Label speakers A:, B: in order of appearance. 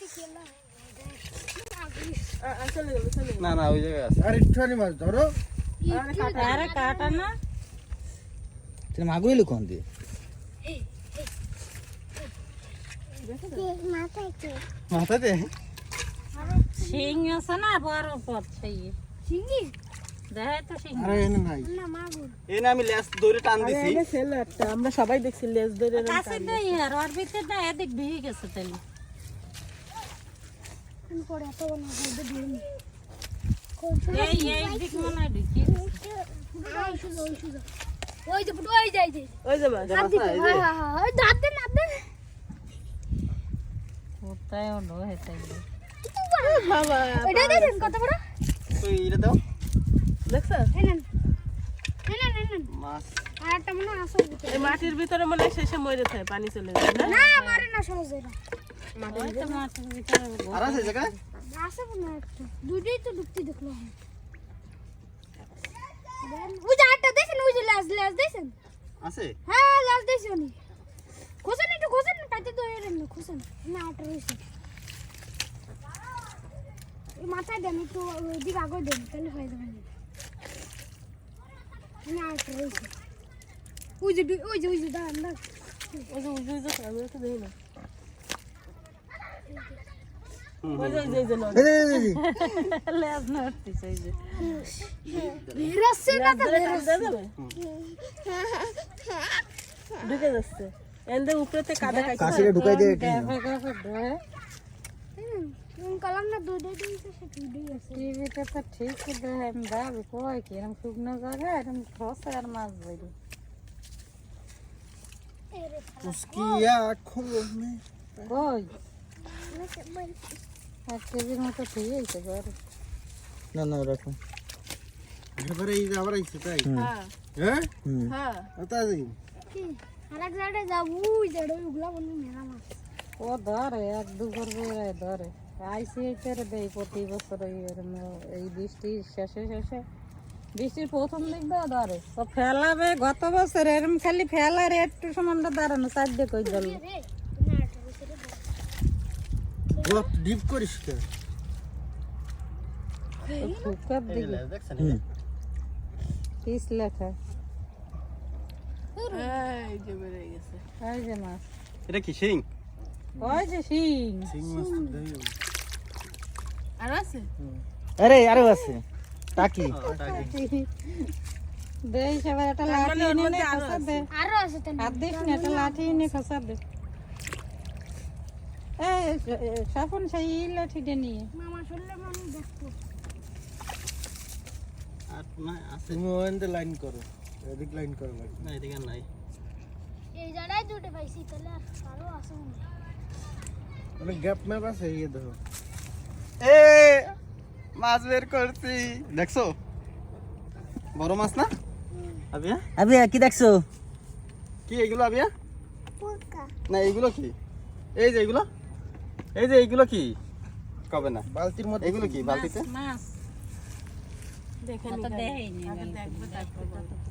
A: না না ওই জায়গায় আছে।
B: আর একটুখানি মাছ ধরো।
C: আরে কাটা না
D: তুমি মাগুর এলো কোন দিয়ে?
A: মাথাতে
C: শিং আছে না বড় পথ সেই
E: শিঙ্গি
C: দেখাই তো শিং
B: আরে এনে নাই।
E: না মাগুর
A: এনে আমি লেজ ধরে টান দিছি।
F: আমরা সবাই দেখছি লেজ ধরে
C: কাছে দেই আর ওর ভিতরে না এদিক ভিজে গেছে তাইলে
E: কোন করে এত না বলতে দিন
C: এই দিক মনে হয় ঢুকি
E: ওই যে ওই যাই যে
F: ওই যে মাছ
E: হাত দিতে হ্যাঁ হ্যাঁ হ্যাঁ দাঁত দেন দাঁত দেন
C: কোথায় হলো হেতাই
F: বাবা
E: এটা দেখেন কত বড়
A: তুই এটা দাও
F: দেখছ
E: এনেন এনেন এনেন
A: মাছ।
E: আর একটা মনে আসো
F: এই মাটির ভিতরে মনে হয় শেষে মরে থাকে পানি চলে যায় না
E: না মারে না সহজে না
C: ওই তো মাছের ভিতরে
A: আর আছে জায়গায়?
E: আসে না একটা দুটোই তো ডুবতে দেখলাম ওই যে আটটা দেখেন ওই যে লাজ লাজ দেখেন
A: আছে?
E: হ্যাঁ লাজ দেখেন উনি খোসেন একটু খোসেন পাইতে তো এর না খোসেন না আটটা রয়েছে এই মাথায় দেন একটু ওইদিকে আগে দেন তাহলে হয়ে যাবে না আটটা রয়েছে ওই যে ওই যে দাঁড়ান দাঁড়ান
F: ওই যে আমি তো দেখি না ওই যে এই যে নদী।
C: লেজ নড়তিছে এই যে
E: বেরাচ্ছে না তো
F: ধরে টান দেওয়া যাবে? ঢুকে যাচ্ছে এন্ডে উপরেতে কাদা খাইছে
D: কাশিরে ঢুকাই দিয়ে
C: গাফে গাফে ধরে
E: কলাম না দুধে দিয়েছে সে দুধেই আছে
C: টিভিতে তো ঠিক দেখে আমি ভাবি কই কি এরকম শুকনো জায়গায় এরকম খসে আর মাছ ধরি
B: उसकी आँखों में
C: কই 1 কেজির মতো ঠিক আছে ঘরে
D: না না রাখো।
B: এবারে এই যে আবার আইছে তাই
F: হ্যাঁ
B: হ্যাঁ
F: হ্যাঁ
B: ওটা দিন
E: কি আরেক জায়গায় যাবো ওই জায়গায় ওগুলা বন্ধু মেলা মাছ
C: ও ধরে 1-2 করে ধরে আইসি এইটারে দেই প্রতি বছর এই বৃষ্টির শেষে বৃষ্টির প্রথম দিক দিয়ে ধরে তো ফেলাবে গত বছর এরম খালি ফেলার একটু সমানটা দাঁড়ানো চারদিকে কই জল
E: রে তুমি আটটা বছরে
B: গপ ডিপ করিস কে
C: ফুকার
A: এই
C: দিকে
A: লেজ দেখছেন?
C: পিস লেখা
F: এই যে বেরিয়ে গেছে
C: ওই যে মাছ
A: এটা কি শিং?
C: ওই যে শিং
B: সিং মাছ তো দেই
F: আর আছে
D: আরে আরো আছে টাকি।
A: ওটা কি?
C: দেই সবাই একটা লাঠি
F: ওর
C: এনে
F: মধ্যে আরো
C: খসা দে
E: আরো আছে তো
C: হাত দিস না একটা লাঠি এনে খসা দে এই সাফন সেই লাঠিটা নিয়ে
E: মামা শুনলে আমি দেখবো
A: আর না আছে?
B: তুমি ওখানে লাইন করো এদিক লাইন করো লাগবে
A: না এদিকে আর নাই।
E: এই জায়গায় দুটো পাইছি তাহলে আরো আছে মনে হয়।
B: মানে গ্যাপ ম্যাপ আছে এই দেখো
A: এ মাছ বের করছি দেখছো? বড় মাছ না আবিয়া?
D: আবে কি দেখছো?
A: কি এগুলো আবিয়া?
E: পোকা
A: না এগুলো কি? এই যে এগুলো কি? কবে না
B: বালতির মধ্যে
A: এগুলো কি বালতিতে?
C: মাছ
F: দেখে
C: তো
F: নি
C: দেখাইনি
F: দেখবে তারপর বলবো।